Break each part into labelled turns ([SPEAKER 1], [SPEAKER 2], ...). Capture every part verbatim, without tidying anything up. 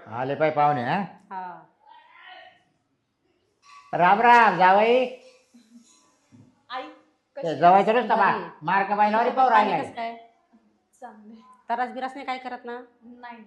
[SPEAKER 1] आले पाय पाहुणे हा
[SPEAKER 2] हा
[SPEAKER 1] राम राम जावई
[SPEAKER 3] आई
[SPEAKER 1] ते जवायचं नुसतं बा
[SPEAKER 2] बरी.
[SPEAKER 1] मार्क बायलावरी पाहू
[SPEAKER 2] पाणी
[SPEAKER 1] राहिलाय
[SPEAKER 2] कसं काय
[SPEAKER 3] चांगले
[SPEAKER 2] तरास बिरास नाही काय करत ना
[SPEAKER 3] नाही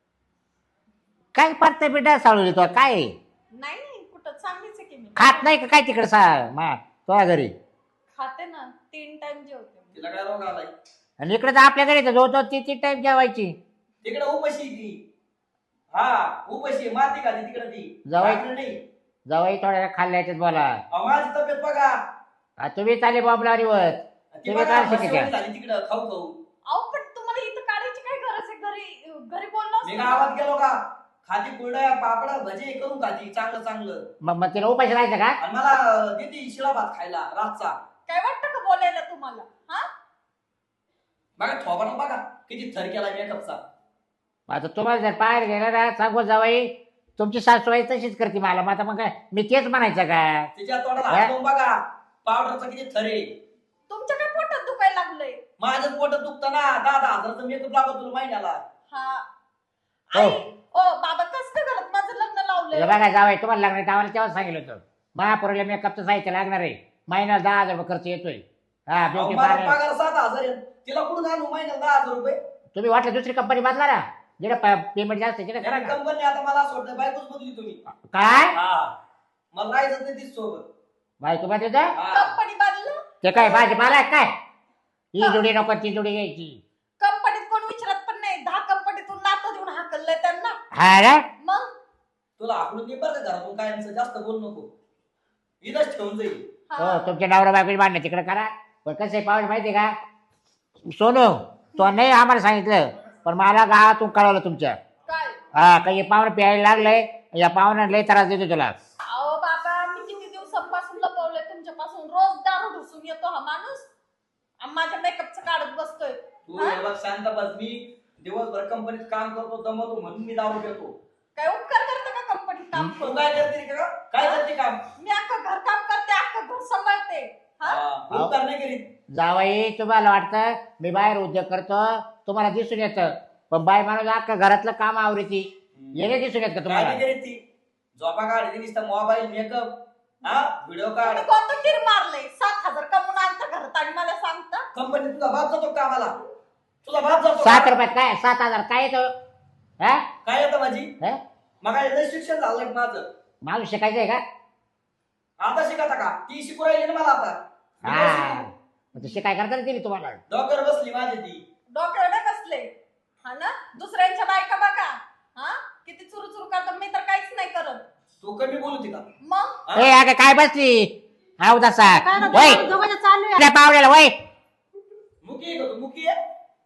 [SPEAKER 1] काय पडते बिड्या साळू तो काय
[SPEAKER 3] नाही नाही कुठं चांगलीच आहे की मी
[SPEAKER 1] खात नाही का काय तिकडे सा मा तो घरी
[SPEAKER 3] खाते ना तीन टाइम जेवते मी.
[SPEAKER 4] तिला काय रोग आलाय
[SPEAKER 1] आणि इकडे तर आपल्या घरी तर जो तो ती ती टाईप जेवायची
[SPEAKER 4] तिकडे उपाशी ती हा उपाशी माती खाती तिकडे ती
[SPEAKER 1] जावई.
[SPEAKER 4] भाकरी नाही
[SPEAKER 1] जवाई थोड्या खाल्ल्याच्यात बोला
[SPEAKER 4] अहो, माझी तब्येत बघा
[SPEAKER 1] आ, तुम्ही चाले बॉबलारी वर
[SPEAKER 4] ती
[SPEAKER 1] तुम्ही
[SPEAKER 4] बघा
[SPEAKER 1] काय
[SPEAKER 4] म्हशीवाणी
[SPEAKER 1] शिकायच्या
[SPEAKER 4] झाली तिकडं खाऊ खाऊ
[SPEAKER 3] अहो पण तुम्हाला इथं काढायची काय गरज आहे घरी घरी बोललो
[SPEAKER 4] मी
[SPEAKER 3] असतो
[SPEAKER 4] गावात
[SPEAKER 3] ना.
[SPEAKER 4] गेलो का खाती कुरड्या पापडा भजे करून खाती चांगलं चांगलं
[SPEAKER 1] मग मग तिला उपाशी राहायचं का
[SPEAKER 4] आणि मला देते शिळा भात खायला रातचा
[SPEAKER 3] काय वाटतं का बोलायला तुम्हाला हा
[SPEAKER 4] बघा थोबाडा बघा किती थर केला मेकअपचा
[SPEAKER 1] आता तुम्हाला जर बाहेर गेला ना सांगू जावाई तुमची सासूबाई तशीच करते मला मग आता मग काय मी तेच म्हणायचं का
[SPEAKER 4] तिच्या तोंडाला
[SPEAKER 1] हा?
[SPEAKER 4] हात लावून बघा पावडरचा किती थर आहे
[SPEAKER 3] तुमच्या काय पोटात दुखायला लागलंय
[SPEAKER 4] माझं पोट दुखतं ना दहा दहा हजारचं मेकअप लागत तुला महिन्याला
[SPEAKER 3] हा
[SPEAKER 1] हो.
[SPEAKER 3] आई ओ बाबा कसं काय घरात माझं लग्न
[SPEAKER 1] हे
[SPEAKER 3] लावलंय
[SPEAKER 1] बघा जावाई तुम्हाला लागणार आम्हाला तेव्हा सांगितलं होतं महापुरीला मेकअपचं साहित्य लागणार आहे महिन्याला दहा हजार रुपये खर्च येतोय हा
[SPEAKER 4] अहो,
[SPEAKER 1] ब्युटी
[SPEAKER 4] मला
[SPEAKER 1] पार्लर
[SPEAKER 4] पगार सात हजार आहे. तिला कुठून आणू महिन्याला दहा हजार रुपये
[SPEAKER 1] तुम्ही वाटलं दुसरी कंपनी बदला ना जिकडे पेमेंट जास्त आहे तिकडे करा ना
[SPEAKER 4] कंपनी आता मला असं वाटतं बायकोच बदली तुम्ही
[SPEAKER 1] काय
[SPEAKER 4] हा मला राहायचं नाही तीच सोबत
[SPEAKER 1] बाई तुम्हाला देतं
[SPEAKER 4] हा.
[SPEAKER 3] कंपनी बदल
[SPEAKER 1] ते काय भाजीपाला आहे काय ही जोडी नको ती जोडी घ्यायची
[SPEAKER 3] कंपनीत कोण विचारत पण नाही दहा कंपनीतून नातं देऊन हाकललंय त्यांना
[SPEAKER 1] हा रे
[SPEAKER 3] मग
[SPEAKER 4] तुला आकडून दे बरं का घरातून कायमचं जास्त बोल नको इथंच ठेवून जाईल
[SPEAKER 1] हो
[SPEAKER 3] हा.
[SPEAKER 1] तुमच्या नवरा बायकोची भांडणं तिकडे करा पण कसं आहे पाहुणे माहिती आहे का सोनू तो नाही आम्हाला सांगितलं पण मला गावातून कळवलं तुमच्या
[SPEAKER 3] काय
[SPEAKER 1] हा काही हे पाहुणे प्यायला लागलंय या पाहुण्याला लय त्रास देतो तुला
[SPEAKER 3] अहो बाबा मी किती दिवसांपासून लपवलंय तुमच्यापासून रोज दारू ढुसून येतो हा माणूस आणि माझ्या मेकअपचं काढत बसतोय
[SPEAKER 4] तू
[SPEAKER 3] हा?
[SPEAKER 4] हे बघ शांत बस मी दिवसभर कंपनीत काम करतो दमवतो म्हणून मी दारू घेतो
[SPEAKER 3] काय उपकार करते का कंपनीत काम
[SPEAKER 4] तू
[SPEAKER 3] करून
[SPEAKER 4] काय करते का काय करते काम
[SPEAKER 3] मी अख्खं घर काम करते अख्खं घर सांभाळते हा
[SPEAKER 4] हा, उपकार नाही करीत
[SPEAKER 1] जावई तुम्हाला वाटतं मी बाहेर उद्योग करतो तुम्हाला दिसून येतं पण बाय माणूस अख्खा घरातलं काम आवडीती येणे दिसून येत का
[SPEAKER 4] काय
[SPEAKER 1] तुम्हाला
[SPEAKER 4] नाही करीत ती झोपा काढ नुसतं मोबाईल मेकअप हा व्हिडिओ काढ
[SPEAKER 3] तुम्ही कोणतं कीर मारलंय सात हजार कमवून आणता घरात आणि मला सांगता
[SPEAKER 4] कंपनीत तुझा बाप जातो कामाला तुझा बाप जातो
[SPEAKER 1] सात
[SPEAKER 4] का?
[SPEAKER 1] रुपयात काय सात हजार काय येतं हा
[SPEAKER 4] काय येतं माझी
[SPEAKER 1] हा?
[SPEAKER 4] मग काय लय शिक्षण झालं माझं
[SPEAKER 1] माणूस शिकायचंय का
[SPEAKER 4] आता शिकता का ती शिकू राहिली ना मला आता मी काय
[SPEAKER 1] हा
[SPEAKER 4] शिकू?
[SPEAKER 1] मग तशी काय करता दिली तुम्हाला
[SPEAKER 4] डॉक्टर बसली माझी ती
[SPEAKER 3] डोक्यावर नाही बसले हा ना दुसऱ्यांच्या बायका बघा हा किती चुरू चुरू करतात मी तर काहीच नाही करत
[SPEAKER 4] तू कमी बोलती का
[SPEAKER 3] मग
[SPEAKER 4] हा?
[SPEAKER 1] ए अगं काय बसली हा उदासा
[SPEAKER 2] काय ना
[SPEAKER 1] वय
[SPEAKER 2] दोघांचं चालू आहे
[SPEAKER 1] आपल्या पावड्याला वय
[SPEAKER 4] मुकी आहे का तू मुकी आहे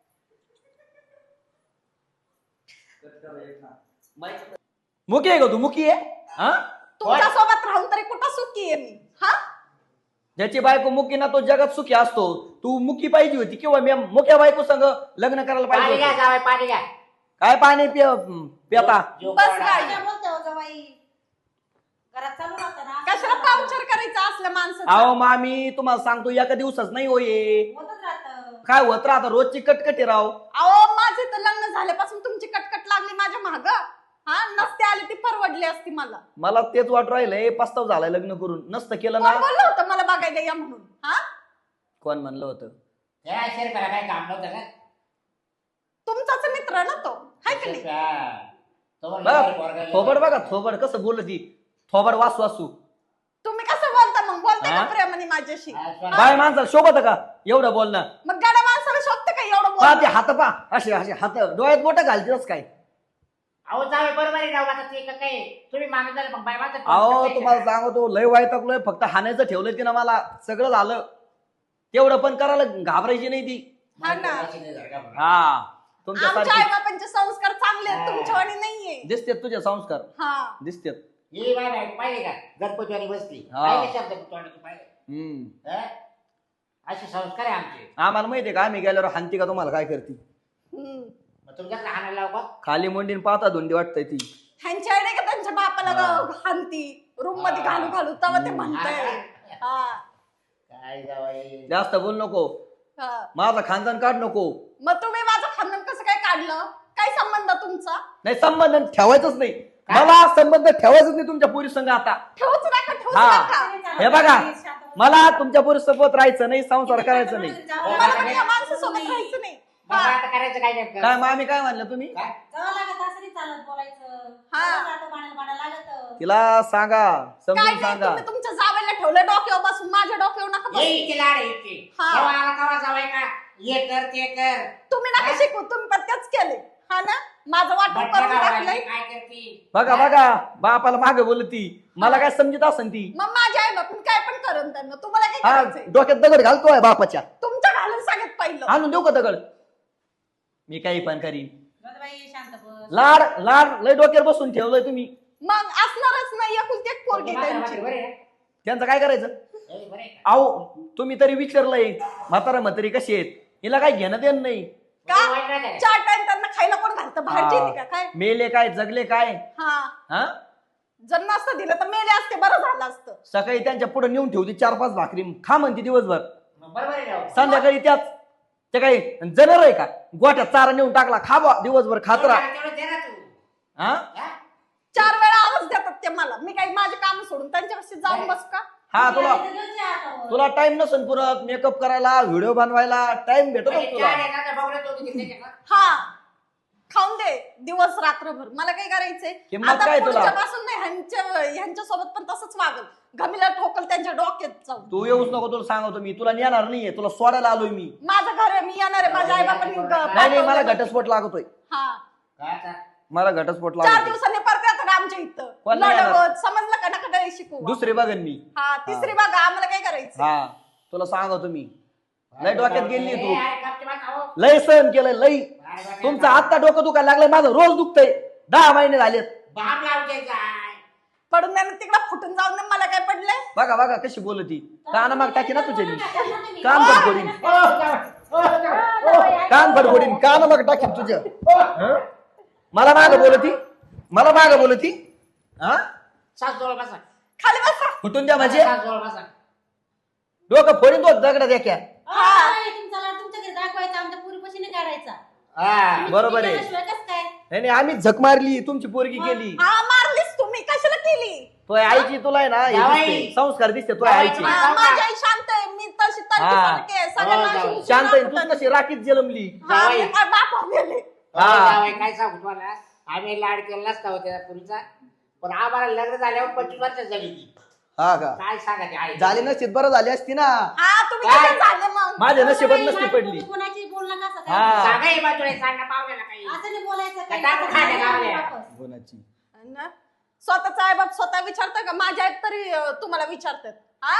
[SPEAKER 4] मुकी आहे का तू मुकी आहे हा
[SPEAKER 3] तुमच्या सोबत राहून तरी कुठं सुखी आहे मी हा
[SPEAKER 4] ज्याची बायको मुकी ना तो जगात सुखी असतो तू मुकी पाहिजे होती किंवा मी मुक्या बायको संग लग्न करायला
[SPEAKER 1] पाणी
[SPEAKER 4] पाहिजे
[SPEAKER 1] घ्या
[SPEAKER 4] होतं.
[SPEAKER 1] जावई पाणी घ्या
[SPEAKER 4] काय पाणी पिय पिता
[SPEAKER 1] जीव
[SPEAKER 3] बस
[SPEAKER 1] कोरडा.
[SPEAKER 3] गाडी.
[SPEAKER 2] काय बोलते हो जावाई घरात चालू राहतं ना
[SPEAKER 3] कशाला पावचर करायचं असल्या माणसाचं
[SPEAKER 4] अहो मामी तुम्हाला सांगतो एका दिवसाच नाही होये
[SPEAKER 2] होतच राहतं
[SPEAKER 4] काय होत राहता रोजची कटकटी राव
[SPEAKER 3] अहो माझे तर लग्न झाल्यापासून तुमची कटकट लागली माझ्या माग हा नसते आली ती परवडली असती मला
[SPEAKER 4] मला तेच वाट राहिलंय पस्ताव झालाय लग्न करून नसतं केलं
[SPEAKER 3] कोण
[SPEAKER 4] ना
[SPEAKER 3] बोललं होतं मला बघायला या म्हणून हा
[SPEAKER 4] कोण म्हणलं होतं
[SPEAKER 1] या शेरपाला काय काम नव्हतं का
[SPEAKER 3] तुमचाच मित्र ना तो हाय की नाही
[SPEAKER 1] हा. तो म्हणला
[SPEAKER 4] बघा
[SPEAKER 1] घरी पोरगा
[SPEAKER 4] थोबड
[SPEAKER 1] गेला.
[SPEAKER 4] बघा थोबड कसं बोलत ती थोबड वासू वासू
[SPEAKER 3] तुम्ही कसं बोलता मग बोलते का
[SPEAKER 4] हा?
[SPEAKER 3] प्रेमाने माझ्याशी
[SPEAKER 1] हा, सोना.
[SPEAKER 4] बाय माणसाला शोभत का एवढं बोलणं
[SPEAKER 3] मग गाड्या माणसाला शोधते का एवढं
[SPEAKER 4] पहा ते
[SPEAKER 3] बोल
[SPEAKER 4] हात पा असे असे हात डोळ्यात बोट घालतेच काय
[SPEAKER 1] अहो जावे बरोबर आहे राव आता ते का काय तुम्ही माणूस झाले मग बाय माझं
[SPEAKER 4] अहो तुम्हाला सांगतो लय वाईटकलोय फक्त हाणायचं ठेवलं तिनं मला सगळं झालं तेवढं पण करायला घाबरायची नाही ती
[SPEAKER 3] हा ना.
[SPEAKER 4] हा तुमच्या
[SPEAKER 3] आमच्या आई
[SPEAKER 4] सारखी
[SPEAKER 3] बाबांचे संस्कार चांगले आहेत
[SPEAKER 1] हा.
[SPEAKER 3] तुमच्यावानी नाहीये
[SPEAKER 4] दिसतेत तुझे संस्कार
[SPEAKER 3] हा
[SPEAKER 4] दिसतेत
[SPEAKER 1] ही बाय बाय पाहिजे का गणपतीवाणी बसली
[SPEAKER 4] हा.
[SPEAKER 1] पाहिजे शब्द तोंडात तू पाहिजे
[SPEAKER 4] हम्म
[SPEAKER 1] हा? असे संस्कार आहे आमचे
[SPEAKER 4] आम्हाला माहितीये का आम्ही गेल्यावर हानती का तुम्हाला काय करते
[SPEAKER 3] हम्म.
[SPEAKER 1] मग तुमच्याकडे हाणायला लाव का
[SPEAKER 4] खाली मुंडीन पाहता धुंडी वाटतंय ती
[SPEAKER 3] ह्यांच्या आईने का त्यांच्या बापाला
[SPEAKER 4] हा.
[SPEAKER 3] हानती रूम मध्ये
[SPEAKER 1] हा.
[SPEAKER 3] घालू घालू तेव्हा ते
[SPEAKER 4] हम्म.
[SPEAKER 3] म्हणताय हा
[SPEAKER 1] काय जावाई
[SPEAKER 4] जास्त बोल नको
[SPEAKER 3] हा.
[SPEAKER 4] माझा खानदान काढ नको
[SPEAKER 3] मग तुम्ही माझं खानदान कसं काय काढलं काय संबंध तुमचा
[SPEAKER 4] नाही संबंध ठेवायचंच नाही मला संबंध ठेवायचंच नाही तुमच्या पोरी संघ आता
[SPEAKER 3] ठेवूच नका ठेवूच
[SPEAKER 4] हा.
[SPEAKER 3] नका
[SPEAKER 4] हे बघा मला तुमच्या पोरी सोबत राहायचं नाही संसार करायचं नाही
[SPEAKER 3] मला पण या माणसासोबत राहायचं नाही
[SPEAKER 1] मग
[SPEAKER 3] हा.
[SPEAKER 1] आता करायचं काय नेमकं?
[SPEAKER 4] काय मामी काय म्हणलं तुम्ही
[SPEAKER 1] काय?
[SPEAKER 2] जावं लागत असं नाही चालत बोलायचं
[SPEAKER 3] हा.
[SPEAKER 2] जावं लागतं, भांडायला भांडायला लागत
[SPEAKER 4] तिला सांगा
[SPEAKER 3] काय
[SPEAKER 4] समजून
[SPEAKER 3] नाही
[SPEAKER 4] सांगा
[SPEAKER 3] तुम्ही तुमच्या जावेला ठेवलं डोक्यावर बसून माझ्या डोक्यावर नका
[SPEAKER 1] ये
[SPEAKER 3] बसू.
[SPEAKER 1] इथे लाड आहे इथे.
[SPEAKER 3] हा.
[SPEAKER 1] जेव्हा आला तेव्हा जावाय का ये कर ते कर
[SPEAKER 3] तुम्ही नका
[SPEAKER 1] हा?
[SPEAKER 3] शिकू तुम्ही पण तेच केले हा ना माझं वाटप
[SPEAKER 1] बटणं
[SPEAKER 3] करून
[SPEAKER 1] लावायला
[SPEAKER 3] टाकलंय
[SPEAKER 1] काय करती
[SPEAKER 4] बघा बघा बापाला मागे बोलती मला काय समजत असन ती
[SPEAKER 3] मग माझ्या आई बापून काय पण करून त्यांना तुम्हाला काय
[SPEAKER 4] हा
[SPEAKER 3] करायचंय
[SPEAKER 4] डोक्यात दगड घालतोय बापाच्या
[SPEAKER 3] तुमच्या घालून सांगत पहिलं
[SPEAKER 4] आणून देऊ का दगड मी काही पण करीन
[SPEAKER 2] बाई शांत बस
[SPEAKER 4] लाड लाड लय डोक्यावर बसून ठेवलंय तुम्ही
[SPEAKER 3] मग असणारच नाही एकुलती एक पोरगी
[SPEAKER 1] म्हातारं
[SPEAKER 3] त्यांची
[SPEAKER 1] म्हातारं बरं आहे?
[SPEAKER 4] त्यांचं काय करायचं
[SPEAKER 1] ए, बरं आहे का?
[SPEAKER 4] अहो तुम्ही तरी विचारलंय म्हातारा म्हातारी कशी आहेत हिला काय घेणं देणं नाही
[SPEAKER 3] का
[SPEAKER 1] तुम्ही वाईट राहता का?
[SPEAKER 3] चार टाइम त्यांना खायला कोण घालतं बाहेरची येते का काय
[SPEAKER 4] मेले काय जगले काय
[SPEAKER 3] हा
[SPEAKER 4] हा
[SPEAKER 3] जर नसतं दिलं तर मेले असते बरं झालं असतं
[SPEAKER 4] सकाळी त्यांच्या पुढे नेऊन ठेवती चार पाच भाकरी खा म्हणते दिवसभर
[SPEAKER 1] मग बरोबर आहे राव.
[SPEAKER 4] संध्याकाळी त्याच ते काही जनर आहे का गोट्यात चारा नेऊन टाकला खा बा दिवसभर खात राहा
[SPEAKER 1] तेवढं दे ना तू.
[SPEAKER 4] हा
[SPEAKER 1] हा?
[SPEAKER 3] चार वेळा आवाज देतात ते मला मी काही माझे काम सोडून त्यांच्यापाशी जाऊन बसू का
[SPEAKER 4] हा तुला
[SPEAKER 2] इथं घेऊन जा हातावर.
[SPEAKER 4] तुला टाइम नसेल पुरत मेकअप करायला व्हिडिओ बनवायला टाइम भेटतो
[SPEAKER 1] म्हणजे
[SPEAKER 4] तुला
[SPEAKER 1] चहा देणार नाही, बघून येतो तिथे त्याच्या का?
[SPEAKER 3] हा खाऊन दे दिवस रात्रभर मला काय करायचंय
[SPEAKER 4] किंमत
[SPEAKER 3] आता
[SPEAKER 4] काय तुला?
[SPEAKER 3] पुढच्यापासून नाही ह्यांच्या ह्यांच्या सोबत पण तसंच वागल घमीला ठोकल त्यांच्या डोक्यात जाऊन
[SPEAKER 4] तू येऊच नको तुला सांगतो मी तुला नेणार नाहीये तुला सोडायला आलोय मी
[SPEAKER 3] माझं घर आहे मी येणार आहे माझ्या आई बाबांनी
[SPEAKER 4] नाही नाही मला घटस्फोट लागतोय
[SPEAKER 3] हा
[SPEAKER 1] काय आता?
[SPEAKER 4] मला घटस्फोट
[SPEAKER 3] चार
[SPEAKER 4] लागतोय
[SPEAKER 3] दिवसांनी परत येतात आमच्या इथं
[SPEAKER 4] कोण नाही येणार?
[SPEAKER 3] लढवत समजलं का नका काही शिकू
[SPEAKER 4] दुसरे बघन मी
[SPEAKER 3] हा तिसरी बघा आम्हाला काय करायचं
[SPEAKER 4] हा तुला सांगतो मी लय डोक्यात गेली तू
[SPEAKER 1] ए, अरे, कापते बा, खाओ.
[SPEAKER 4] लय सहन केलंय लय
[SPEAKER 1] अरे, बा,
[SPEAKER 4] तुमचं आता डोकं दुखायला लागलंय माझं रोज दुखतंय दहा महिने झालेत
[SPEAKER 1] बाप लावते काय
[SPEAKER 3] पडून द्या तिकडे फुटून जाऊन दे, मला काय पडलंय
[SPEAKER 4] बघा बघा कशी बोलती कान माग टाकी ना तुझे मी
[SPEAKER 2] तुम्ही-
[SPEAKER 4] कान फडफोडीन
[SPEAKER 1] ओ, जावई, ओ, जावई, ओ.
[SPEAKER 4] कान फडफोडीन कान माग टाकीन तुझ्या हं? मला माग बोलती मला माग बोलती हा
[SPEAKER 1] सास जवळ बसा.
[SPEAKER 3] खाली बसा
[SPEAKER 4] फुटून द्या म्हणजे
[SPEAKER 1] सास जवळ बसा.
[SPEAKER 4] डोकं फोडीन तो दगडा द्या क्या
[SPEAKER 2] हा, तुमचा लाड तुमच्या घरी दाखवायचा आमच्या पुरीपाशी नाही काढायचा
[SPEAKER 1] हा.
[SPEAKER 4] बरोबर आहे.
[SPEAKER 2] केल्याशिवाय कसं काय
[SPEAKER 4] नाही नाही, आम्ही झक मारली तुमची पोरगी केली
[SPEAKER 3] हा मारलीस तुम्ही कशाला केली
[SPEAKER 4] तो आईची तुला आहे ना हे
[SPEAKER 1] जावई.
[SPEAKER 4] दिसते, संस्कार दिसते तो
[SPEAKER 1] जावई,
[SPEAKER 4] आईची
[SPEAKER 1] तुम्हाला-
[SPEAKER 3] हा, माझी आई शांत आहे मी तशी
[SPEAKER 4] हा.
[SPEAKER 3] तर्कसारखी आहे
[SPEAKER 1] हो,
[SPEAKER 3] सगळ्यांना
[SPEAKER 1] जाऊ.
[SPEAKER 3] अशी उचलून
[SPEAKER 4] शांत आहे
[SPEAKER 3] दाखवतात.
[SPEAKER 4] तू कशी राखीत जलमली
[SPEAKER 3] हा,
[SPEAKER 1] जावई.
[SPEAKER 3] मी काय बापावर गेले
[SPEAKER 4] हा.
[SPEAKER 1] जावई, जावई, काय सांगू तुम्हाला आम्ही लाड केला नसता होत्या पुरीचा पण आम्हाला लग्न झाल्यावर पंचवीस वर्ष झाली ती
[SPEAKER 4] हा का
[SPEAKER 1] काय सांगा ते आई
[SPEAKER 4] झाली नसती बरं झाली असती ना
[SPEAKER 3] हा तुम्ही
[SPEAKER 1] काय?
[SPEAKER 3] कसे झाले मग
[SPEAKER 4] माझ्या नशिबात
[SPEAKER 2] नाही,
[SPEAKER 4] नसती
[SPEAKER 2] नाही,
[SPEAKER 4] पडली
[SPEAKER 2] तुम्ही कोणाची बोलणं कसं
[SPEAKER 4] हा.
[SPEAKER 2] काय
[SPEAKER 1] सांगा हे बाजूला सांगा पाहुण्याला काही
[SPEAKER 2] असं नाही बोलायचं
[SPEAKER 1] काय टाकू खायला गावल्या?
[SPEAKER 2] वापस.
[SPEAKER 3] ना? स्वतःचा आई बाप स्वतः विचारतं का माझ्या आई तरी अं, तुम्हाला विचारतात हा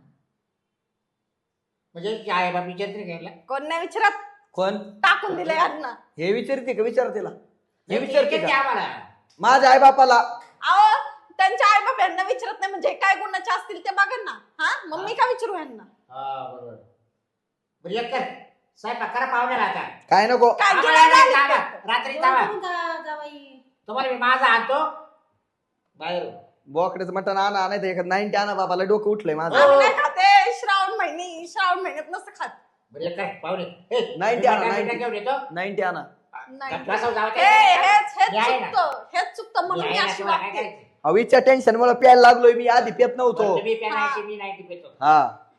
[SPEAKER 1] म्हणजे ती आई बाप विचारते घ्यायला
[SPEAKER 3] कोण नाही विचारत
[SPEAKER 4] कोण
[SPEAKER 3] टाकून दिले यांना
[SPEAKER 4] हे विचारते का विचार तिला हे विचारते
[SPEAKER 1] विचारते
[SPEAKER 4] का
[SPEAKER 1] आम्हाला
[SPEAKER 4] माझ्या आई बापाला
[SPEAKER 3] अहो त्यांच्या आई बाप यांना विचारत नाही म्हणजे काय गुणाचे असतील ते बघा ना हा मग मी का विचारू यांना
[SPEAKER 1] हा बरोबर बरं एक कर स्वयंपाक करा पाहुण्याला आता
[SPEAKER 4] काय नको
[SPEAKER 3] काय
[SPEAKER 1] आम्हाला
[SPEAKER 3] गिळायला
[SPEAKER 1] नाही
[SPEAKER 3] आले
[SPEAKER 1] जावा.
[SPEAKER 3] ते?
[SPEAKER 1] रात्री
[SPEAKER 2] जेवण
[SPEAKER 1] जावा
[SPEAKER 2] करून जा- जावई.
[SPEAKER 1] तुम्हाला मी माझा आणतो बाहेर
[SPEAKER 4] बोकड्याचं मटण आणा नाही तर एखाद नाईन्टी आणा बाबाला डोकं उठलंय माझं
[SPEAKER 3] आम्ही नाही खाते श्रावण महिने श्रावण महिन्यात नसतं खात
[SPEAKER 1] बरं एक कर पाहुणे ए,
[SPEAKER 4] नाईन्टी आणा,
[SPEAKER 1] मी
[SPEAKER 4] नाईन्टी.
[SPEAKER 1] घेऊन येतो
[SPEAKER 4] नाईन्टी आणा
[SPEAKER 3] नाही
[SPEAKER 1] बसावं जावं
[SPEAKER 3] हे हेच हेच
[SPEAKER 1] मी आहे ना.
[SPEAKER 3] चुकतं हेच चुकतं म्हणून
[SPEAKER 1] मी
[SPEAKER 3] मी
[SPEAKER 1] आहे ना,
[SPEAKER 3] अशी
[SPEAKER 1] तुम्हाला काय
[SPEAKER 3] वागते
[SPEAKER 1] करायचं?
[SPEAKER 4] अविच्या टेन्शन मुळे प्यायला लागलोय मी आधी पेत नव्हतो
[SPEAKER 1] तुम्ही पेनायची मी नाईन्टी पेतो
[SPEAKER 4] हा